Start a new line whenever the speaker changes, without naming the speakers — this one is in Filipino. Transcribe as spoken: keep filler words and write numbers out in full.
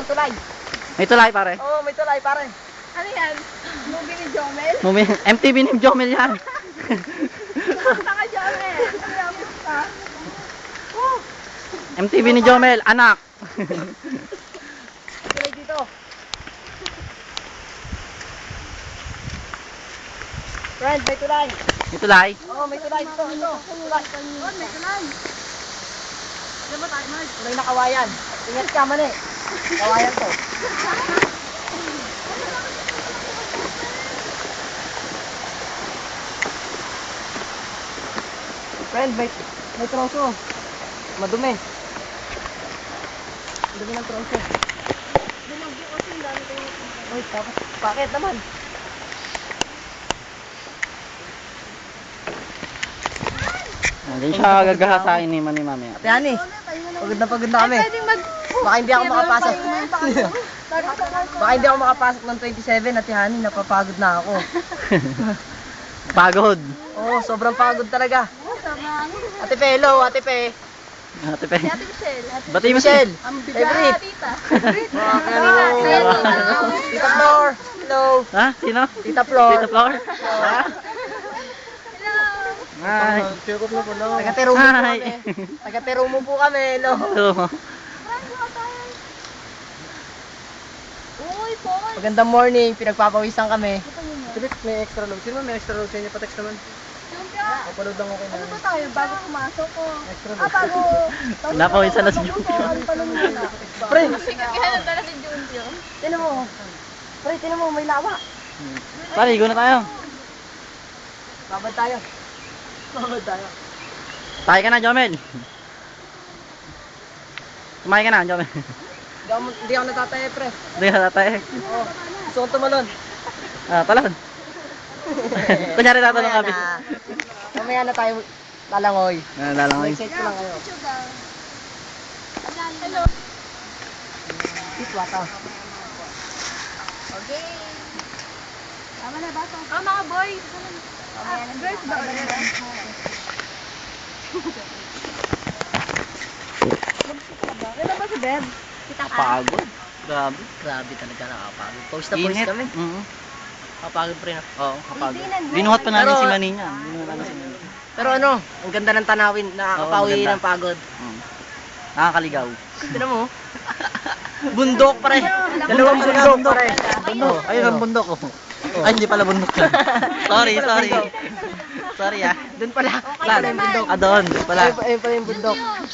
ng tulay.
May tulay pare.
Oo, may tulay pare.
Ano yan? Movie ni Jomel?
Movie, M T V ni Jomel yan.
Pumunta ka, Jomel. Ano yan? Pumunta? Oh!
M T V ni Jomel, anak.
Tulay dito. Friend, may tulay.
May tulay.
Oo, may tulay dito. Ito, tulay.
Oh, may tulay. Ano ba tayo, Mark?
Tulay na kawayan. Ingat ka, mali. Kawayan to. Friend, may, may troso. Madumi. Madumi ng troso.
Bumagyo kasi ang dami kayo.
Uy, tapos, bakit naman?
Diyan siya gagahasain ni Mani Mami.
Ate Hani, pagod na pagod na kami.
Pwedeng mag...
Baka hindi ako makapasok.
Baka
Baka hindi ako makapasok ng twenty-seven, Ate Hani, napapagod na ako.
Pagod.
Oo, sobrang pagod talaga.
Sama.
Ate Pe, hello, Ate Pe.
Ate Pe.
Si Ate Michelle. Ate
Bati mo
Michelle,
siya.
Ang
favorite.
tita.
Hello. Tita Flor, hello.
Ha? Sino?
Tita Flor.
Tita Flower? Ha? Hi.
Taga-Terumo po
Hi.
kami. Taga-Terumo po kami, hello.
Hello.
Uy, Paul.
Magandang morning, pinagpapawisan kami.
Philip, may extra load. Sino may extra load sa inyo? Pa-text naman. Papaload lang ako kay
Ano
nanay.
ba tayo? Bago pumasok ko.
Extra
Ah,
load.
bago.
Pinapawisan na si
Bago
Junpyo.
ko, ano pa lang muna.
Pre,
Kaya nandala si Junpyo.
tinan mo. Pre, tinan mo, may lawa.
Pare, go na tayo.
Babad tayo. Babad tayo.
Tayo ka na, Jomel. Kumain ka na, Jomel.
Hindi ako, hindi ako natataya, pre.
Hindi ka tatay.
Oo. Gusto kong tumalon.
Ah, talon. Kunyari tatalong
Mamaya
kami.
na. Mamaya na tayo lalangoy.
Ah, lalangoy.
Excited ko lang kayo.
Hello.
Iswata.
Okay. Tama na ba? Oh, mga boys. Ah, girls ba? Ano ba si Beb? Kita ka?
Pagod. Grabe.
Grabe talaga nakapagod. Pawis na pawis
Init.
kami.
Mhm.
Kapagod pre na.
Oo, kapagod.
Hindi na-
Binuhat pa namin
Pero-
si Mani niya. Binuhat namin si Mani.
Pero ano, ang ganda ng tanawin. Nakakapawi
Oo, maganda.
ng pagod.
Mm. Nakakaligaw.
Tignan mo. Bundok pre. Dalawang bundok pre.
Bundok. Ayun ang bundok ko. Ay, hindi pala bundok yan. Sorry, sorry. Sorry ah.
Doon pala.
Okay
Saan?
naman.
Bundok.
Ah, doon. Doon pala.
Ayun, ayun pala yung bundok.